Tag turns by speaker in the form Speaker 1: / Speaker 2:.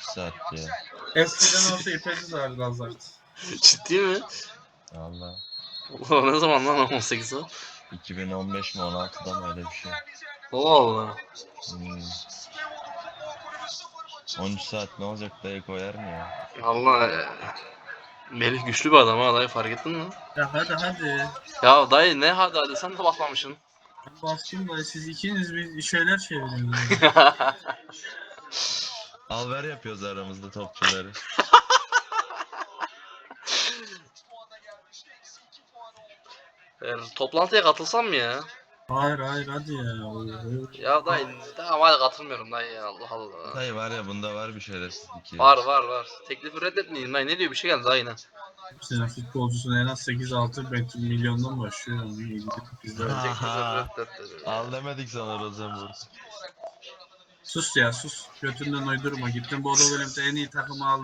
Speaker 1: saat ya.
Speaker 2: Eskiden olsa ipesiz vardı Lazart.
Speaker 3: Ciddi mi?
Speaker 1: Valla.
Speaker 3: Ulan ne zaman lan 18 o?
Speaker 1: 2015 mi 16'da mı öyle bir şey.
Speaker 3: Allah Allah.
Speaker 1: 13 saat ne olacak dayı koyar mı ya?
Speaker 3: Allah Melih güçlü bir adam ha dayı fark ettin mi?
Speaker 2: Ya hadi.
Speaker 3: Ya dayı ne hadi sen de baklamışsın.
Speaker 2: Ben bastım da siz ikiniz bir şeyler çeviriyorsunuz.
Speaker 1: Alver yapıyoruz aramızda topçuları.
Speaker 3: Toplantıya katılsam mı ya?
Speaker 2: Hayır hadi ya.
Speaker 3: Ya dayı tamam hadi katılmıyorum dayı ya Allah Allah.
Speaker 1: Dayı var ya bunda var bir şerefsizlik ya.
Speaker 3: Var. Teklifi reddetmeyin dayı ne diyor bir şey geldi dayı yine.
Speaker 2: Senin futbolcusun en az 8-6 milyondan başlıyor. Bizde öyle.
Speaker 1: Al demedik sana Rosenborg.
Speaker 2: Sus ya sus. Götünden uydurma. Gittin Bodo Glimt'e en iyi takımı aldın.